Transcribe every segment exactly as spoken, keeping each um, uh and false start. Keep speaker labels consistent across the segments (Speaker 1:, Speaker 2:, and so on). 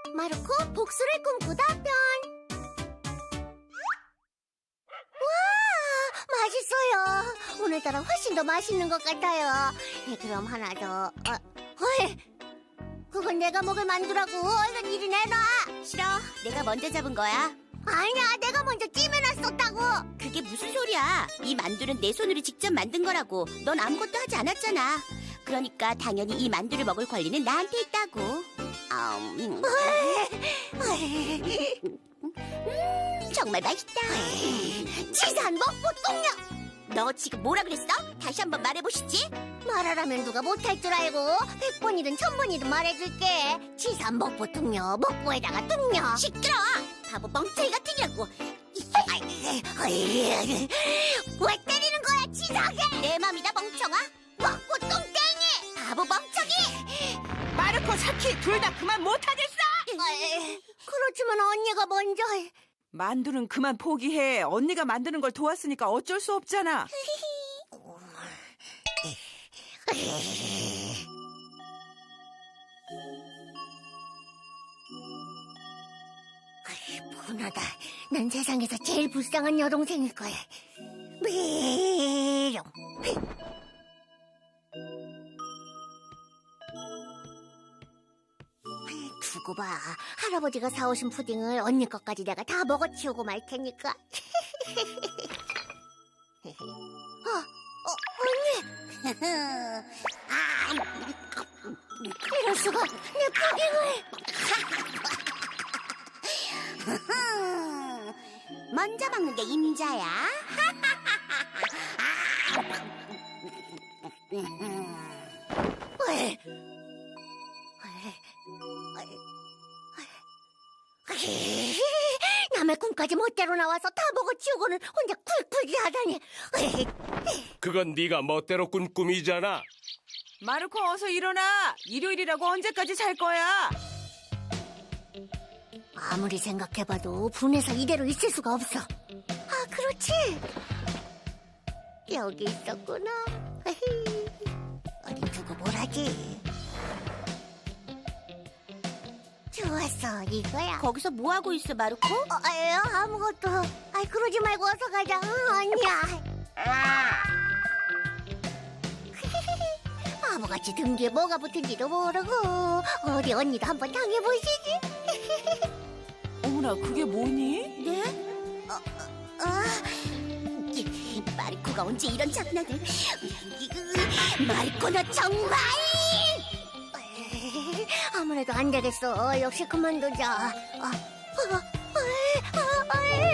Speaker 1: 마르코 복수를 꿈꾸다 편. 와, 맛있어요. 오늘따라 훨씬 더 맛있는 것 같아요. 네, 그럼 하나 더. 어, 어이, 그건 내가 먹을 만두라고. 얼른 이리 내놔.
Speaker 2: 싫어. 내가 먼저 잡은 거야.
Speaker 1: 아니야, 내가 먼저 찜해놨었다고.
Speaker 2: 그게 무슨 소리야? 이 만두는 내 손으로 직접 만든 거라고. 넌 아무것도 하지 않았잖아. 그러니까 당연히 이 만두를 먹을 권리는 나한테 있다고. 아, 음. 음, 정말 맛있다.
Speaker 1: 치사한 먹보 똥녀.
Speaker 2: 너 지금 뭐라 그랬어? 다시 한번 말해보시지.
Speaker 1: 말하라면 누가 못할 줄 알고 백 번이든 천 번이든 말해줄게. 치사한 먹보 똥녀, 먹보에다가 똥녀.
Speaker 2: 시끄러워. 바보 멍청이 같으냐고.
Speaker 1: 왜 때리는 거야, 치사하게.
Speaker 2: 내 맘이다, 멍청아.
Speaker 1: 먹보 똥땡이.
Speaker 2: 바보 멍청이.
Speaker 3: 마르코, 사키 둘 다 그만 못하겠어.
Speaker 1: 에이, 그렇지만 언니가 먼저.
Speaker 3: 만두는 그만 포기해. 언니가 만드는 걸 도왔으니까 어쩔 수 없잖아.
Speaker 1: 분하다. 난 세상에서 제일 불쌍한 여동생일 거야. 미용. 두고 봐. 할아버지가 사오신 푸딩을 언니 것까지 내가 다 먹어치우고 말 테니까. 어, 어, 언니. 아, 이럴 수가. 내 푸딩을.
Speaker 2: 먼저 먹는 게 임자야.
Speaker 1: 왜? 남의 꿈까지 멋대로 나와서 다 먹어치우고는 혼자 쿨쿨이 하다니.
Speaker 4: 그건 네가 멋대로 꾼 꿈이잖아.
Speaker 3: 마르코, 어서 일어나. 일요일이라고 언제까지 잘 거야?
Speaker 1: 아무리 생각해봐도 분해서 이대로 있을 수가 없어. 아, 그렇지. 여기 있었구나. 어디 두고 뭘 하지? 좋았어, 이거야.
Speaker 2: 거기서 뭐 하고 있어, 마르코?
Speaker 1: 어, 에이, 아무것도. 아이, 그러지 말고 어서 가자. 응, 언니야. 바보같이 등 뒤에 뭐가 붙은지도 모르고. 어디 언니도 한번 당해보시지.
Speaker 3: 어머나, 그게 뭐니?
Speaker 2: 네? 어, 어, 어. 이, 마르코가 언제 이런 장난을. 이거, 마르코 너 정말.
Speaker 1: 에이, 아무래도 안 되겠어. 역시 그만두자. 아, 아, 아, 아,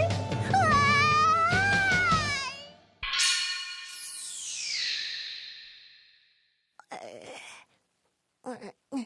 Speaker 1: 아, 아.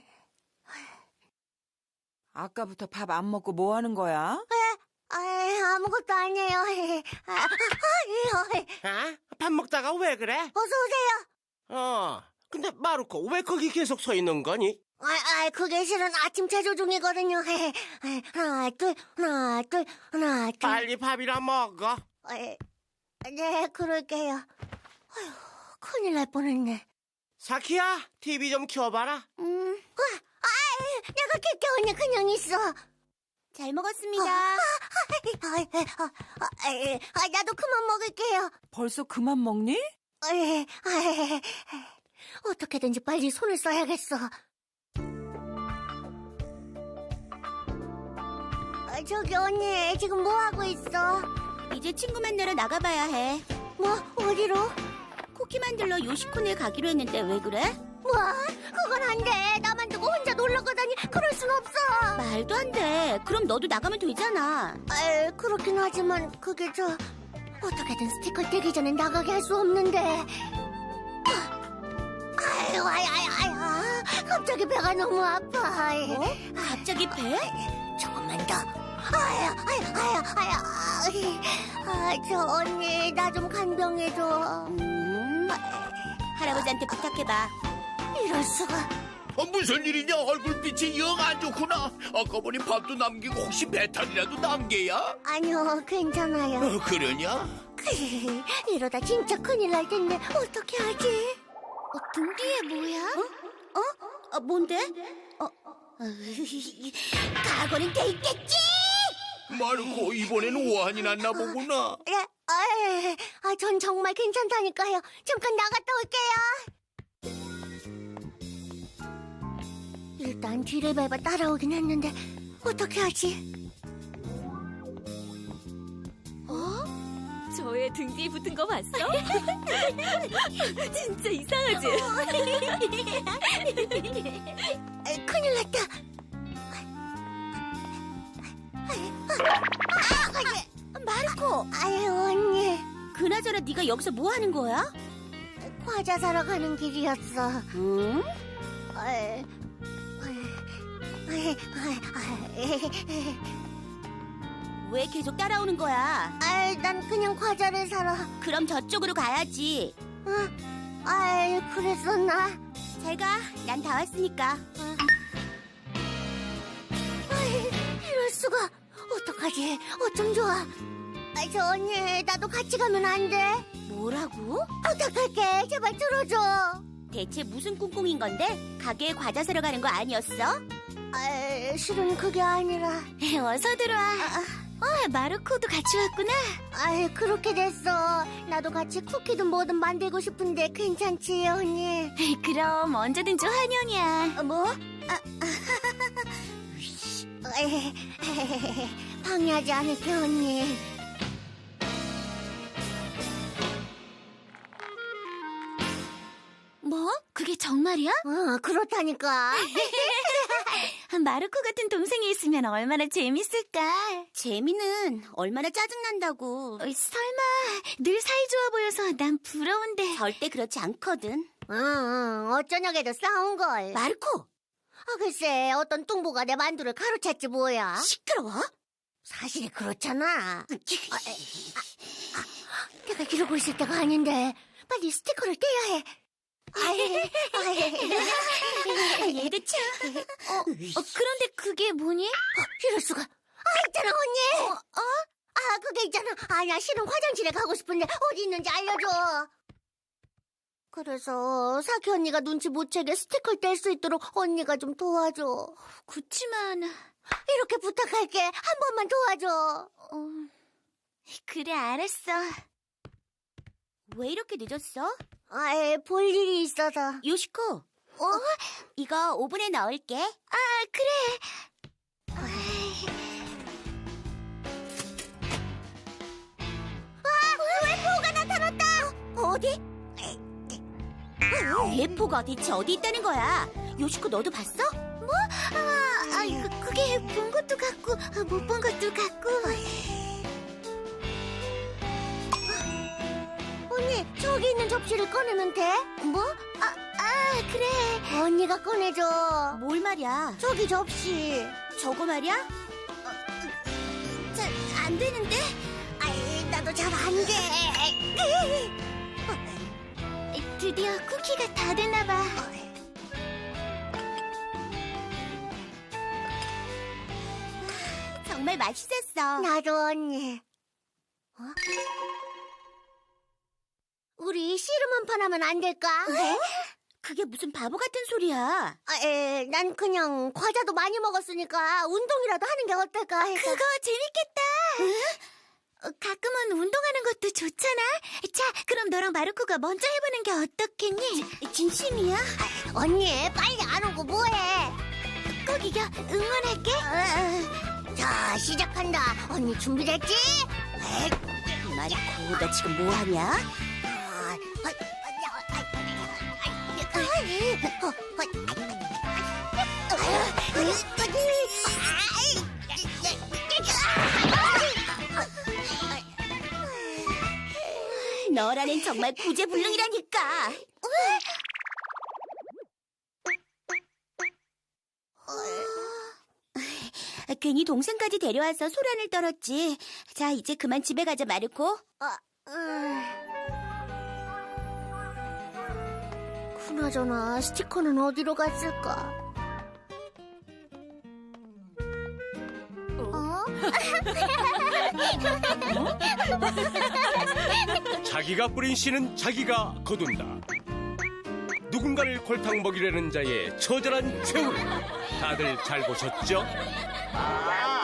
Speaker 3: 아까부터 밥 안 먹고 뭐 하는 거야?
Speaker 1: 아, 아무것도 아니에요. 아, 아, 아,
Speaker 5: 아? 밥 먹다가 왜 그래?
Speaker 1: 어서 오세요.
Speaker 5: 어. 근데 마르코 왜 거기 계속 서 있는 거니?
Speaker 1: 아, 아, 그게 실은 아침 체조 중이거든요. 하나, 둘, 하나, 둘, 하나, 둘.
Speaker 5: 빨리 밥이나 먹어.
Speaker 1: 에, 네, 그럴게요. 아휴, 큰일 날 뻔했네.
Speaker 5: 사키야, 티비 좀 켜봐라.
Speaker 1: 음, 와, 아, 내가 킬게 언니 그냥 있어.
Speaker 2: 잘 먹었습니다.
Speaker 1: 아, 아, 아, 아, 아, 나도 그만 먹을게요.
Speaker 3: 벌써 그만 먹니?
Speaker 1: 에, 아, 어떻게든지 빨리 손을 써야겠어. 아, 저기 언니 지금 뭐 하고 있어?
Speaker 2: 이제 친구 만나러 나가봐야 해.
Speaker 1: 뭐 어디로?
Speaker 2: 쿠키 만들러 요시콘에 가기로 했는데 왜 그래?
Speaker 1: 뭐? 그건 안 돼. 나만 두고 혼자 놀러 가다니 그럴 순 없어.
Speaker 2: 말도 안 돼. 그럼 너도 나가면 되잖아.
Speaker 1: 에, 그렇긴 하지만 그게 저 어떻게든 스티커 떼기 전에 나가게 할 수 없는데. 아유, 아유, 아유, 아유, 갑자기 배가 너무 아파.
Speaker 2: 뭐? 갑자기 배?
Speaker 1: 조금만 더. 아유, 아유, 아유, 아유. 아, 저 언니 나 좀 간병해줘.
Speaker 2: 음, 할아버지한테 부탁해봐.
Speaker 1: 이럴 수가.
Speaker 4: 어, 무슨 일이냐? 얼굴빛이 영 안 좋구나. 아까 보니 밥도 남기고 혹시 배탈이라도 난 게야?
Speaker 1: 아니요, 괜찮아요.
Speaker 4: 어, 그러냐?
Speaker 1: 이러다 진짜 큰일 날 텐데 어떻게 하지? 어, 등 뒤에 뭐야?
Speaker 2: 어? 어, 뭔데? 어, 각오는 돼 있겠지?
Speaker 4: 마르코, 이번엔 오한이 났나 보구나.
Speaker 1: 예, 아, 아, 전 정말 괜찮다니까요. 잠깐 나갔다 올게요. 일단 뒤를 밟아 따라오긴 했는데 어떻게 하지?
Speaker 6: 저의 등 뒤에 붙은 거 봤어? 진짜 이상하지?
Speaker 1: 아, 큰일 났다.
Speaker 2: 마르코,
Speaker 1: 아유, 언니.
Speaker 2: 그나저나 네가 여기서 뭐 하는 거야?
Speaker 1: 과자 사러 가는 길이었어.
Speaker 2: 응?
Speaker 1: 아이, 아이, 아이, 아이,
Speaker 2: 왜 계속 따라오는 거야?
Speaker 1: 아이, 난 그냥 과자를 사러.
Speaker 2: 그럼 저쪽으로 가야지.
Speaker 1: 어? 아이, 그랬었나?
Speaker 2: 잘 가. 난 다 왔으니까.
Speaker 1: 아이, 이럴 수가. 어떡하지? 어쩜 좋아. 아이, 저 언니, 나도 같이 가면 안 돼?
Speaker 2: 뭐라고?
Speaker 1: 부탁할게. 제발 들어줘.
Speaker 2: 대체 무슨 꿍꿍인 건데? 가게에 과자 사러 가는 거 아니었어?
Speaker 1: 아이, 실은 그게 아니라.
Speaker 6: 어서 들어와. 어, 마르코도 같이 왔구나.
Speaker 1: 아이, 그렇게 됐어. 나도 같이 쿠키든 뭐든 만들고 싶은데 괜찮지, 언니?
Speaker 6: 그럼 언제든지 환영이야.
Speaker 1: 어, 뭐? 아, 에이, 방해하지 않을게, 언니.
Speaker 6: 뭐? 그게 정말이야?
Speaker 1: 어, 그렇다니까.
Speaker 6: 마르코 같은 동생이 있으면 얼마나 재밌을까?
Speaker 2: 재미는 얼마나 짜증난다고.
Speaker 6: 어, 설마 늘 사이좋아 보여서 난 부러운데.
Speaker 2: 절대 그렇지 않거든.
Speaker 1: 응, 응, 어쩌냐게도 싸운걸.
Speaker 2: 마르코!
Speaker 1: 아, 글쎄, 어떤 뚱보가 내 만두를 가로챘지 뭐야.
Speaker 2: 시끄러워?
Speaker 1: 사실이 그렇잖아. 아, 아, 아, 내가 이러고 있을 때가 아닌데. 빨리 스티커를 떼야 해. 아이, 아이.
Speaker 2: 얘도 참.
Speaker 6: 어, 어, 그런데 그게 뭐니?
Speaker 1: 어, 이럴 수가. 아, 있잖아, 언니. 어? 아, 그게 있잖아. 아, 나 실은 화장실에 가고 싶은데 어디 있는지 알려줘. 그래서 사키 언니가 눈치 못 채게 스티커를 뗄 수 있도록 언니가 좀 도와줘.
Speaker 6: 그치만
Speaker 1: 이렇게 부탁할게. 한 번만 도와줘.
Speaker 6: 어, 그래 알았어.
Speaker 2: 왜 이렇게 늦었어?
Speaker 1: 아이, 볼 일이 있어서.
Speaker 2: 요시코. 어? 이거 오븐에 넣을게.
Speaker 6: 아 그래.
Speaker 1: 웨포가 나타났다.
Speaker 2: 어디? 예포가 대체 어디 있다는 거야? 요시코 너도 봤어?
Speaker 6: 아, 아 그, 그게 본 것도 같고 못 본 것도 같고.
Speaker 1: 언니, 저기 있는 접시를 꺼내면 돼?
Speaker 6: 뭐? 아, 아 그래.
Speaker 1: 언니가 꺼내줘.
Speaker 2: 뭘 말이야?
Speaker 1: 저기 접시.
Speaker 2: 저거 말이야?
Speaker 1: 잘 안 되는데? 아이, 나도 잘 안 돼.
Speaker 6: 드디어 쿠키가 다 됐나 봐.
Speaker 2: 정말 맛있었어.
Speaker 1: 나도 언니. 어? 우리 씨름 한 판 하면 안 될까?
Speaker 2: 그게 무슨 바보 같은 소리야.
Speaker 1: 아, 에, 난 그냥 과자도 많이 먹었으니까 운동이라도 하는 게 어떨까 해서.
Speaker 6: 그거 재밌겠다. 어, 가끔은 운동하는 것도 좋잖아. 자, 그럼 너랑 마르코가 먼저 해보는 게 어떻겠니?
Speaker 2: 진심이야?
Speaker 1: 언니, 빨리 안 오고 뭐해?
Speaker 6: 꼭 이겨. 응원할게.
Speaker 1: 어, 자, 시작한다. 언니 준비됐지?
Speaker 2: 마리코, 너 지금 뭐 하냐? 너라는 정말 구제불능이라니까. 괜히 동생까지 데려와서 소란을 떨었지. 자, 이제 그만 집에 가자, 마르코.
Speaker 1: 아, 음. 그나저나 스티커는 어디로 갔을까? 어?
Speaker 5: 자기가 뿌린 씨는 자기가 거둔다. 누구 누군가를 골탕 먹이려는 자의 처절한 최후. 다들 잘 보셨죠?
Speaker 7: 아,